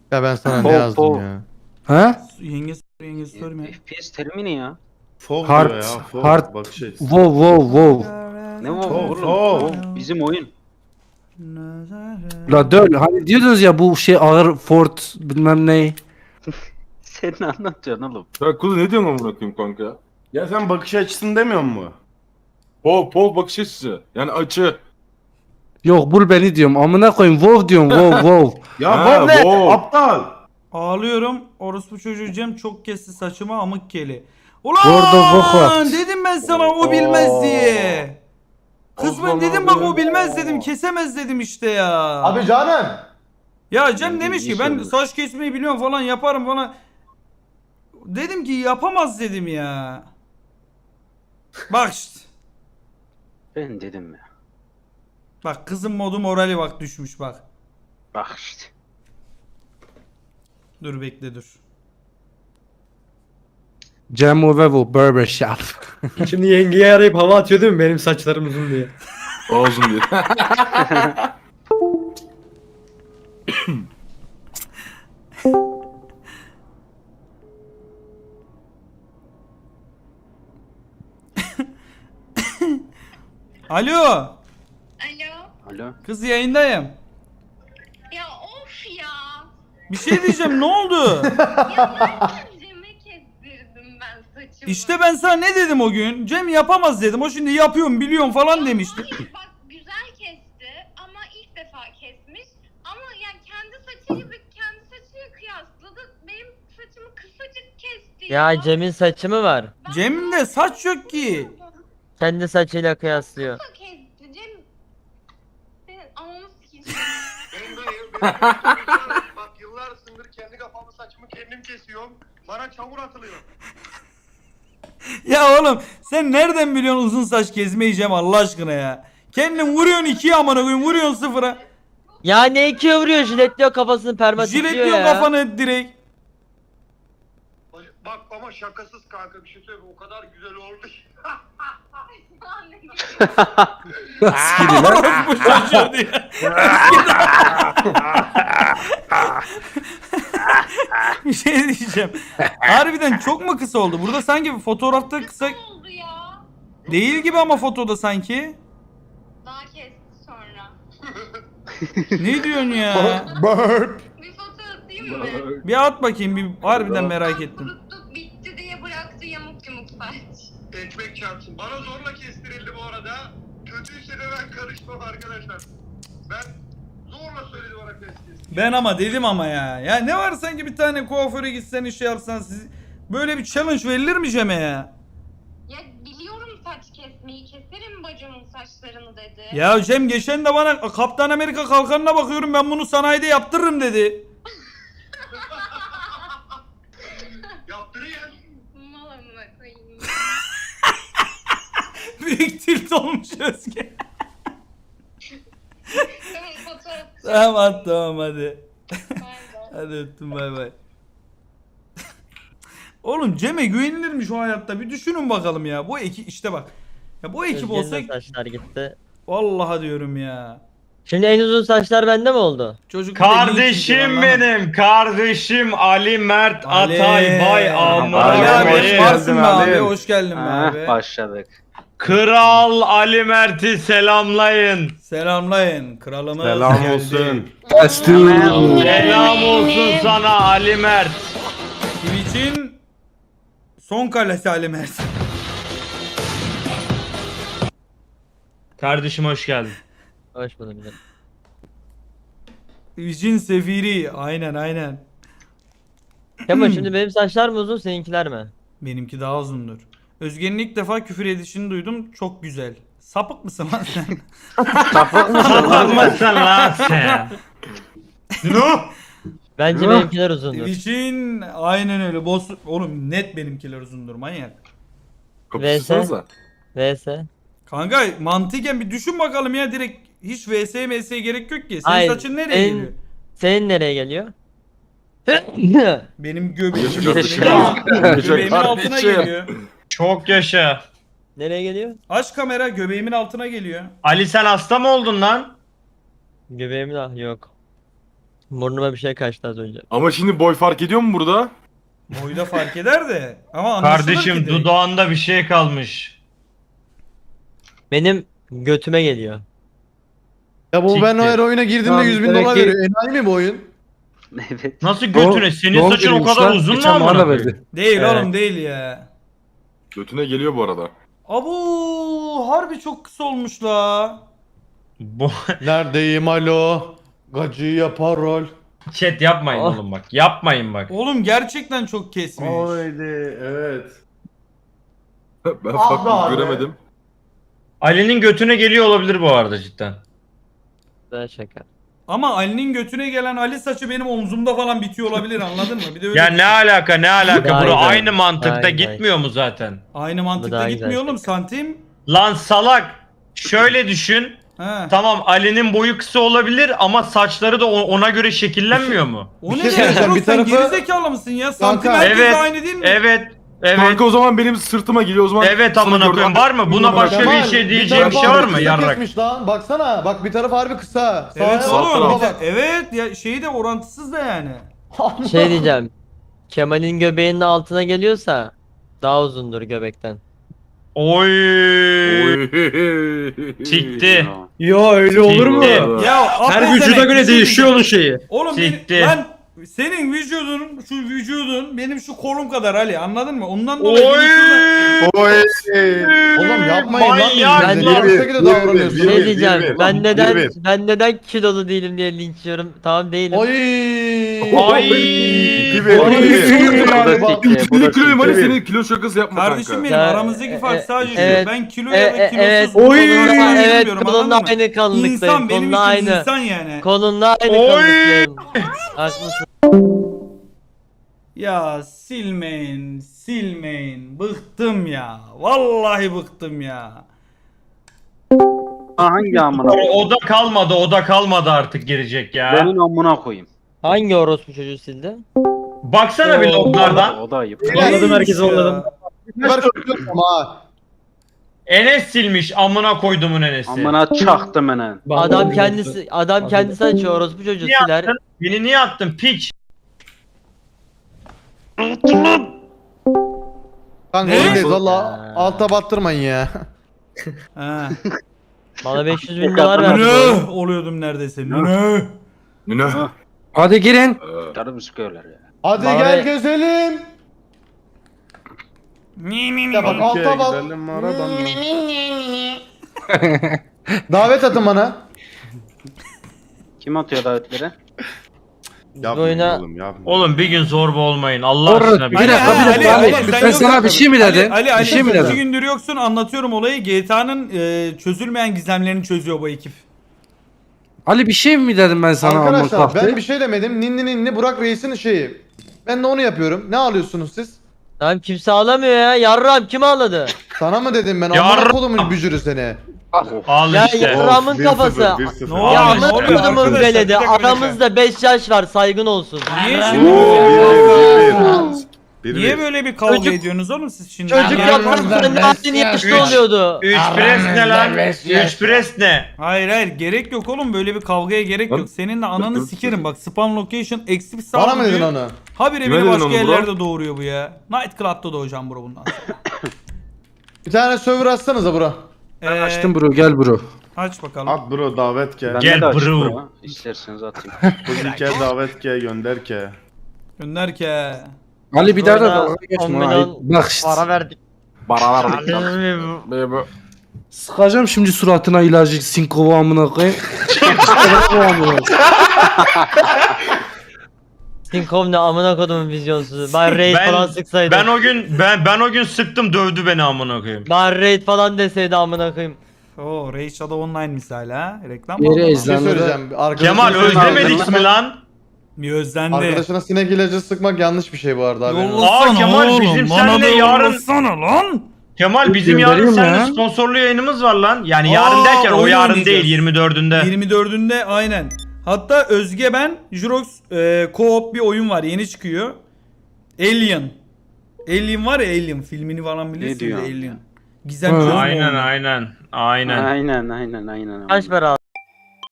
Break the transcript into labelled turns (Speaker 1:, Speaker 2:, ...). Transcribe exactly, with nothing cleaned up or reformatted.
Speaker 1: Ya ben sana ne
Speaker 2: Pov,
Speaker 1: yazdım
Speaker 2: pov.
Speaker 1: ya?
Speaker 3: Ha?
Speaker 4: Yengesi yengesi sorma.
Speaker 2: F P S terimi ne ya?
Speaker 5: Fov
Speaker 3: Hard,
Speaker 5: diyor ya. Fov.
Speaker 3: hard.
Speaker 5: Bakış açısı.
Speaker 3: Wow wow wow.
Speaker 2: Ne o
Speaker 5: Pov,
Speaker 2: oğlum?
Speaker 5: pov.
Speaker 2: Pov bizim oyun.
Speaker 3: La döl. Hani diyordunuz ya bu şey ağır Ford bilmem ne.
Speaker 2: Sen ne anlatıyorsun oğlum?
Speaker 6: Ya kuzu ne diyorsun amına koyayım kanka?
Speaker 5: Ya sen bakış açısını demiyor mu?
Speaker 6: Pol pol bakış açısı. Yani açı.
Speaker 3: Yok bul beni diyorum. Amına koyayım wow diyorum wow wow.
Speaker 5: Ya
Speaker 6: Ha,
Speaker 5: Fov ne?
Speaker 6: Fov.
Speaker 5: Aptal.
Speaker 4: Ağlıyorum. Orospu çocuğu Cem çok kesti saçıma amık keli.
Speaker 3: Orada bok var.
Speaker 4: Ulan dedim ben sana o bilmez diye. Kısmen dedim bak o bilmez dedim, kesemez dedim işte ya.
Speaker 7: Abi canım.
Speaker 4: Ya Cem
Speaker 2: İyi-
Speaker 4: demiş
Speaker 2: iyi
Speaker 4: ki ben
Speaker 2: söylemiş.
Speaker 4: saç kesmeyi biliyorum falan yaparım falan. Dedim ki yapamaz dedim ya. Bak işte.
Speaker 2: Ben dedim ya.
Speaker 4: Bak kızın modu morali bak düşmüş bak.
Speaker 2: Bak işte.
Speaker 4: Dur bekle dur.
Speaker 3: Cemo Vevo Barber Shop.
Speaker 7: Şimdi yengeye arayıp hava atıyor değil mi benim saçlarım uzun diye.
Speaker 6: Ağzım diye.
Speaker 4: Alo.
Speaker 8: Alo.
Speaker 2: Alo.
Speaker 4: Kız yayındayım.
Speaker 8: Ya of ya.
Speaker 4: Bir şey diyeceğim ne oldu?
Speaker 8: Ya nereden Cem'e kestirdim ben saçımı?
Speaker 4: İşte ben sana ne dedim o gün? Cem yapamaz dedim. O şimdi yapıyorum biliyorum falan demişti.
Speaker 8: Hayır bak güzel kesti ama ilk defa kesmiş. Ama yani kendi saçıyla kendi saçıyla kıyasladı. Benim saçımı kısacık kesti ya.
Speaker 9: Ya Cem'in saçı mı var?
Speaker 8: Ben
Speaker 4: Cem'de saç yok ki.
Speaker 9: Kendi saçıyla kıyaslıyor.
Speaker 8: kısa kesti Cem. Senin ananı sikeceğim.
Speaker 10: Benim dayım, benim dayım, bak yıllardır kendi kafamı saçımı kendim kesiyorum. Bana çamur atılıyor.
Speaker 4: Ya oğlum sen nereden biliyorsun uzun saç kesmeyi Cem Allah aşkına ya. Kendin vuruyorsun ikiye amına koyayım vuruyorsun sıfıra.
Speaker 9: Ya ne ikiye vuruyor, jiletliyor kafasını, permatikliyor
Speaker 4: Jiletliyor
Speaker 9: ya.
Speaker 4: kafanı direkt.
Speaker 10: Bak ama şakasız kanka bir şey söyleyeyim o kadar güzel oldu ki.
Speaker 4: Orospu çocuğu diye. Bir şey diyeceğim. Harbiden çok mu kısa oldu? Burada sanki bir fotoğrafta kısa
Speaker 8: Ne oldu ya?
Speaker 4: değil gibi ama fotoda sanki.
Speaker 8: Daha kesti sonra.
Speaker 4: Ne diyorsun ya?
Speaker 5: Burp.
Speaker 8: Bir foto atayım mı?
Speaker 4: Bir at bakayım bir harbiden merak ettim.
Speaker 8: Kuruttuk bitti diye bıraktı yamuk yumuk saç.
Speaker 10: Ekmek çarpsın. Bana zorla kestirildi bu arada. Kötüyse de ben karışmam arkadaşlar. Ben zorla söyledi bana kestirsin.
Speaker 4: Ben ama dedim ama ya. Ya ne var sanki bir tane kuaföre gitsen iş yapsan siz böyle bir challenge verilir mi Cem'e ya?
Speaker 8: Ya biliyorum saç kesmeyi keserim bacımın saçlarını dedi.
Speaker 4: Ya Cem geçen de bana Kaptan Amerika kalkanına bakıyorum ben bunu sanayide yaptırırım dedi.
Speaker 10: Yaptırıyor.
Speaker 8: Mal amına koyayım.
Speaker 4: Büyük tilt olmuş Özge.
Speaker 8: Tamam foto at.
Speaker 4: Tamam at tamam hadi.
Speaker 8: Bay bay.
Speaker 4: Hadi öptüm bay bay. Oğlum Cem'e güvenilirmiş o hayatta bir düşünün bakalım ya. Bu ekip işte bak. Ya bu ekip
Speaker 9: Özge'nin
Speaker 4: olsa
Speaker 9: de saçlar gitti.
Speaker 4: vallahi diyorum ya.
Speaker 9: Şimdi en uzun saçlar bende mi oldu?
Speaker 4: Çocuk bir de linç
Speaker 7: Kardeşim
Speaker 4: yiyor,
Speaker 7: benim, kardeşim Ali Mert
Speaker 4: Ali.
Speaker 7: Atay Bay
Speaker 4: Ali
Speaker 7: Amına
Speaker 4: abi hoş
Speaker 7: koyayım.
Speaker 4: varsın be
Speaker 5: Ali.
Speaker 4: abi. Hoş geldin be
Speaker 2: Ha,
Speaker 4: abi.
Speaker 2: başladık.
Speaker 7: Kral Ali Mert'i selamlayın.
Speaker 4: Selamlayın. Kralımız
Speaker 5: Selam
Speaker 4: geldi.
Speaker 5: olsun.
Speaker 7: Selam olsun sana Ali Mert.
Speaker 4: Twitch'in son kalesi Ali Mert.
Speaker 7: Kardeşim hoş geldin.
Speaker 9: Hoş bulduk canım.
Speaker 4: Twitch'in sefiri. Aynen aynen.
Speaker 9: Kemal şimdi benim saçlar mı uzun, seninkiler mi?
Speaker 4: Benimki daha uzundur. Özge'nin ilk defa küfür edişini duydum. Çok güzel. Sapık mısın lan sen?
Speaker 7: Sapıkmışsın lan sen. No.
Speaker 9: Bence benimkiler uzundur.
Speaker 4: Twitch'in aynen öyle. Boss... Oğlum net benimkiler uzundur manyak.
Speaker 6: Kapışırsanıza.
Speaker 9: V S.
Speaker 4: Kanka mantıken bir düşün bakalım ya direkt hiç V S M S'ye gerek yok ki. Senin
Speaker 9: Hayır,
Speaker 4: saçın nereye
Speaker 9: senin-
Speaker 4: geliyor?
Speaker 9: Senin nereye geliyor?
Speaker 4: Benim göbeğim
Speaker 6: Yaşa kardeşim.
Speaker 4: göbeğimin
Speaker 6: Yaşa
Speaker 4: altına
Speaker 6: kardeşim.
Speaker 4: geliyor.
Speaker 7: Çok yaşa.
Speaker 9: Nereye geliyor?
Speaker 4: Aç kamera göbeğimin altına geliyor.
Speaker 7: Ali sen hasta mı oldun lan?
Speaker 9: Göbeğimin ah yok. Burnuma bir şey kaçtı az önce.
Speaker 6: Ama şimdi boy fark ediyor mu burada?
Speaker 4: Boyda fark eder de. Ama anlaşılır
Speaker 1: Kardeşim
Speaker 4: ki direkt.
Speaker 1: dudağında bir şey kalmış.
Speaker 9: Benim götüme geliyor.
Speaker 5: Ya bu ben
Speaker 1: Siktir.
Speaker 5: her oyuna girdiğimde
Speaker 7: Tamam,
Speaker 5: yüz bin
Speaker 7: demek
Speaker 5: dolar
Speaker 7: ki-
Speaker 5: veriyor. Enayi mi bu oyun?
Speaker 2: Evet.
Speaker 1: Nasıl götüne? Senin
Speaker 3: Doğum
Speaker 1: saçın o
Speaker 3: günüymüş
Speaker 1: kadar
Speaker 3: lan.
Speaker 1: uzun mu
Speaker 3: Geçen
Speaker 1: amına
Speaker 3: bana
Speaker 1: koyayım?
Speaker 3: verdi.
Speaker 4: Değil
Speaker 9: Evet.
Speaker 4: oğlum değil ya.
Speaker 6: Götüne geliyor bu arada.
Speaker 4: Abu harbi çok kısa olmuş la.
Speaker 1: Bu
Speaker 5: Neredeyim alo? Gacı yapar rol.
Speaker 1: chat yapmayın
Speaker 9: Oh.
Speaker 1: oğlum bak. Yapmayın bak.
Speaker 4: Oğlum gerçekten çok kesmiş.
Speaker 5: Haydi evet.
Speaker 6: Ben
Speaker 5: Ah
Speaker 6: farklı
Speaker 5: be abi.
Speaker 6: göremedim.
Speaker 1: Ali'nin götüne geliyor olabilir bu arada cidden.
Speaker 9: Güzel şaka.
Speaker 4: Ama Ali'nin götüne gelen Ali saçı benim omzumda falan bitiyor olabilir anladın mı? Bir de öyle
Speaker 1: Ya ne alaka ne alaka?
Speaker 9: Daha
Speaker 1: Bro
Speaker 9: güzel.
Speaker 1: aynı mantıkta
Speaker 9: Daha
Speaker 1: gitmiyor mu zaten?
Speaker 4: aynı
Speaker 9: Bu
Speaker 4: mantıkta
Speaker 9: daha
Speaker 4: gitmiyor
Speaker 9: güzel
Speaker 4: oğlum santim.
Speaker 1: Lan salak. Şöyle düşün.
Speaker 4: He.
Speaker 1: Tamam Ali'nin boyu kısa olabilir ama saçları da o- ona göre şekillenmiyor mu?
Speaker 4: O
Speaker 5: Bir
Speaker 4: ne
Speaker 5: şey
Speaker 4: demek
Speaker 5: söyleyeceğim,
Speaker 4: oğlum
Speaker 5: bir
Speaker 4: sen
Speaker 5: tarafı-
Speaker 4: gerizekalı mısın ya? Santim
Speaker 5: Kanka,
Speaker 4: herkes
Speaker 1: evet,
Speaker 4: aynı değil mi?
Speaker 1: Evet. Evet.
Speaker 6: Kanka o zaman benim sırtıma geliyor o zaman.
Speaker 1: Evet
Speaker 6: sana
Speaker 1: amına
Speaker 6: göre-
Speaker 1: koyayım var mı? Buna başka
Speaker 5: Kemal,
Speaker 1: bir şey
Speaker 5: bir
Speaker 1: diyeceğim bir
Speaker 5: tarafı
Speaker 1: şey var
Speaker 5: harbi
Speaker 1: mı
Speaker 5: kısa
Speaker 1: yarrak?
Speaker 5: kesmiş lan. Baksana bak bir tarafı harbi kısa.
Speaker 4: Evet
Speaker 5: Sağa
Speaker 4: oğlum.
Speaker 5: sola
Speaker 4: bir de-
Speaker 5: bak.
Speaker 4: Evet ya şeyi de orantısız da yani.
Speaker 9: Şey diyeceğim. Kemal'in göbeğinin altına geliyorsa daha uzundur göbekten.
Speaker 1: Oy.
Speaker 6: Oy.
Speaker 1: Sikti.
Speaker 7: Yo öyle olur mu?
Speaker 1: Siktir.
Speaker 4: Ya
Speaker 7: Her
Speaker 4: affedersin,
Speaker 7: vücuda göre
Speaker 4: bir şey
Speaker 7: değişiyor onun şeyi.
Speaker 4: Oğlum
Speaker 1: Siktir.
Speaker 4: benim, lan senin vücudun şu vücudun benim şu kolum kadar Ali anladın mı? Ondan dolayı
Speaker 1: Oy.
Speaker 4: benim şurada-
Speaker 5: Oy. Oğlum yapmayın lan
Speaker 1: Manyak
Speaker 5: birbirinize.
Speaker 1: lan.
Speaker 5: Niye bu şekilde davranıyorsunuz? Bir, bir,
Speaker 9: Şey
Speaker 5: bir,
Speaker 9: diyeceğim.
Speaker 5: bir,
Speaker 9: ben
Speaker 5: bir,
Speaker 9: neden
Speaker 5: bir.
Speaker 9: ben neden kilolu değilim diye linç yiyorum. Tamam değilim.
Speaker 5: Oy.
Speaker 1: Ay.
Speaker 5: Bir,
Speaker 6: bir,
Speaker 5: Oy.
Speaker 6: bir.
Speaker 2: Bu da
Speaker 5: Oy.
Speaker 2: sikti, bu da
Speaker 6: elli kiloyum Ali
Speaker 2: sikti.
Speaker 6: senin kilo şakası yapma
Speaker 4: Kardeşim
Speaker 6: kanka.
Speaker 4: benim
Speaker 9: Ya,
Speaker 4: aramızdaki
Speaker 9: e,
Speaker 4: fark
Speaker 9: e,
Speaker 4: sadece
Speaker 9: evet.
Speaker 4: şu. Ben kilo
Speaker 9: E,
Speaker 4: ya da
Speaker 9: e,
Speaker 4: kilosuz
Speaker 9: evet.
Speaker 4: bu
Speaker 7: Oy.
Speaker 4: olarak
Speaker 9: Kolunla-
Speaker 4: ayırmıyorum,
Speaker 9: evet
Speaker 4: anladın
Speaker 9: kolunla
Speaker 4: mı?
Speaker 9: aynı kanlıktayım.
Speaker 4: İnsan benim
Speaker 9: Kolunla
Speaker 4: için
Speaker 9: aynı.
Speaker 4: insan yani.
Speaker 9: Kolunla aynı
Speaker 1: Oy.
Speaker 9: kanlıktayım. Haklısın.
Speaker 4: Ya silmeyin, silmeyin. Bıktım ya. Vallahi bıktım ya.
Speaker 2: Ha, hangi amına?
Speaker 1: O, o da kalmadı o da kalmadı artık girecek ya.
Speaker 2: Benim amına koyayım.
Speaker 9: Hangi orospu çocuğu sildi?
Speaker 1: Baksana bir loglardan.
Speaker 2: O da ayıp.
Speaker 7: Anladım,
Speaker 4: Neymiş
Speaker 7: herkesi
Speaker 4: ya?
Speaker 7: anladım.
Speaker 5: Ver söylüyorum ha.
Speaker 1: Enes silmiş amına koydumun Enes'i.
Speaker 2: Amına çaktım enen.
Speaker 9: Adam kendisi adam kendisi açıyor orospu çocuğu
Speaker 1: Niye
Speaker 9: siler.
Speaker 1: attın? Beni niye attın piç?
Speaker 5: Kanka
Speaker 4: Ne?
Speaker 5: öndeyiz valla alta battırmayın ya.
Speaker 4: Ha.
Speaker 9: Bana beş yüz bin dolar verdi. bu
Speaker 4: Ne
Speaker 9: oğlum.
Speaker 4: oluyordum neredeyse. Ne?
Speaker 6: Ne?
Speaker 3: Hadi girin.
Speaker 2: Canım sıkıyorlar ya.
Speaker 5: Hadi
Speaker 9: Bana
Speaker 5: gel
Speaker 9: be-
Speaker 5: gezelim.
Speaker 4: Mi mi mi.
Speaker 5: Ya bak
Speaker 4: mi.
Speaker 5: alta bak. Davet atın bana.
Speaker 2: Kim atıyor davetleri?
Speaker 9: Bu oyuna
Speaker 1: Oğlum bir gün zorba olmayın Allah
Speaker 3: Orada
Speaker 1: aşkına.
Speaker 3: bir
Speaker 1: Bir
Speaker 3: dakika bir
Speaker 4: Ali,
Speaker 3: dakika
Speaker 4: Ali,
Speaker 3: Ali.
Speaker 4: Ali,
Speaker 3: Ben
Speaker 4: sen
Speaker 3: sana
Speaker 4: yok-
Speaker 3: bir şey mi
Speaker 4: Ali,
Speaker 3: dedim?
Speaker 4: Ali, Ali,
Speaker 3: Bir şey mi
Speaker 4: iki
Speaker 3: dedim?
Speaker 4: gündür yoksun anlatıyorum olayı. G T A'nın e, çözülmeyen gizemlerini çözüyor bu ekip.
Speaker 3: Ali bir şey mi dedim ben sana amına
Speaker 5: Arkadaşlar
Speaker 3: kalktı?
Speaker 5: ben bir şey demedim. Ninni ninni Burak Reis'in şeyi. Ben de onu yapıyorum. Ne alıyorsunuz siz?
Speaker 9: Tamam kimse ağlamıyor ya. Yarram kim ağladı?
Speaker 5: Sana mı dedim ben?
Speaker 1: Yarrım.
Speaker 5: Amına kolumun bücürü seni.
Speaker 1: Al
Speaker 9: Ya
Speaker 1: işte.
Speaker 9: yarramın kafası.
Speaker 4: Ne
Speaker 9: Ya
Speaker 4: oluyor? Ne
Speaker 9: amına
Speaker 4: oluyor?
Speaker 9: kodumun
Speaker 4: Arkadaşlar,
Speaker 9: veledi.
Speaker 4: bir dakika, bir dakika.
Speaker 9: Aramızda beş yaş var saygın olsun.
Speaker 4: Niye
Speaker 1: Oo,
Speaker 4: şimdi?
Speaker 5: Bir,
Speaker 4: Niye böyle bir kavga
Speaker 9: Çocuk-
Speaker 4: ediyorsunuz oğlum siz şimdi?
Speaker 9: Çocuk
Speaker 4: Yani-
Speaker 9: yapmasın ne yaptığını yaşlı
Speaker 1: Üç.
Speaker 9: oluyordu.
Speaker 1: Üç pres ne lan? Üç pres ne?
Speaker 4: Hayır hayır gerek yok oğlum böyle bir kavgaya gerek
Speaker 6: Lan-
Speaker 4: yok. Senin de ananı
Speaker 6: Dur, dur.
Speaker 4: sikerim bak spam location eksik
Speaker 5: Bana
Speaker 4: sağ
Speaker 5: mı dedin onu?
Speaker 4: Habire
Speaker 6: Kime
Speaker 4: beni
Speaker 6: dedin
Speaker 4: başka
Speaker 6: onu bro?
Speaker 4: yerlerde doğuruyor bu ya. Night Club'da doğacağım bro bundan sonra.
Speaker 5: Bir tane server atsanıza bro.
Speaker 4: Ee,
Speaker 3: Açtım bro gel bro.
Speaker 4: Aç bakalım.
Speaker 5: At bro davet ke.
Speaker 2: Ben
Speaker 1: Gel
Speaker 2: de açık
Speaker 1: bro.
Speaker 2: bro. İsterseniz atayım.
Speaker 5: Bugünke davet ke gönder ke.
Speaker 4: Gönder ki.
Speaker 3: Ali bir daha da
Speaker 9: Sonra
Speaker 3: dalga
Speaker 9: on
Speaker 3: geçme.
Speaker 9: milyon
Speaker 3: Ayıp. Bak işte.
Speaker 9: Para verdik.
Speaker 6: Baralar
Speaker 3: Sıkacağım şimdi suratına ilacı Sinkova amına koyayım.
Speaker 9: Sinkov ne amına kodumun vizyonsuzu. Ben raid
Speaker 1: Ben-
Speaker 9: falan sıksaydım.
Speaker 1: Ben o gün ben ben o gün sıktım dövdü beni amına koyayım.
Speaker 9: Ben raid falan deseydi amına koyayım.
Speaker 4: Oo Raid Shadow Online misali ha. Reklam mı?
Speaker 3: Yeri
Speaker 4: oldu lan?
Speaker 5: Bir şey
Speaker 3: ezlen-
Speaker 5: söyleyeceğim. Arkadaşına-
Speaker 1: Kemal özlemedik mi lan?
Speaker 4: Bir özlendi.
Speaker 5: Arkadaşına sinek ilacı sıkmak yanlış bir şey bu arada. haberin olsun.
Speaker 1: Aa, Kemal, bizim
Speaker 4: bana
Speaker 1: seninle
Speaker 4: da
Speaker 1: yarın-
Speaker 4: yollasana lan.
Speaker 1: Kemal bizim yarın
Speaker 3: Göndereyim
Speaker 1: seninle
Speaker 3: ya.
Speaker 1: sponsorlu yayınımız var lan. Yani
Speaker 4: Aa,
Speaker 1: yarın derken o
Speaker 4: oyun
Speaker 1: yarın
Speaker 4: oynayacağız.
Speaker 1: değil yirmi dördünde.
Speaker 4: yirmi dördünde aynen. Hatta Özge ben Jurox e, co-op bir oyun var yeni çıkıyor. Alien. Alien var ya Alien filmini falan bilirsiniz
Speaker 2: diyorsun
Speaker 4: Alien.
Speaker 2: ya?
Speaker 4: Gizem
Speaker 3: Ha.
Speaker 4: çözme
Speaker 1: Aynen
Speaker 4: oyunu.
Speaker 1: aynen. Aynen.
Speaker 2: Aynen aynen aynen.
Speaker 9: Kaç para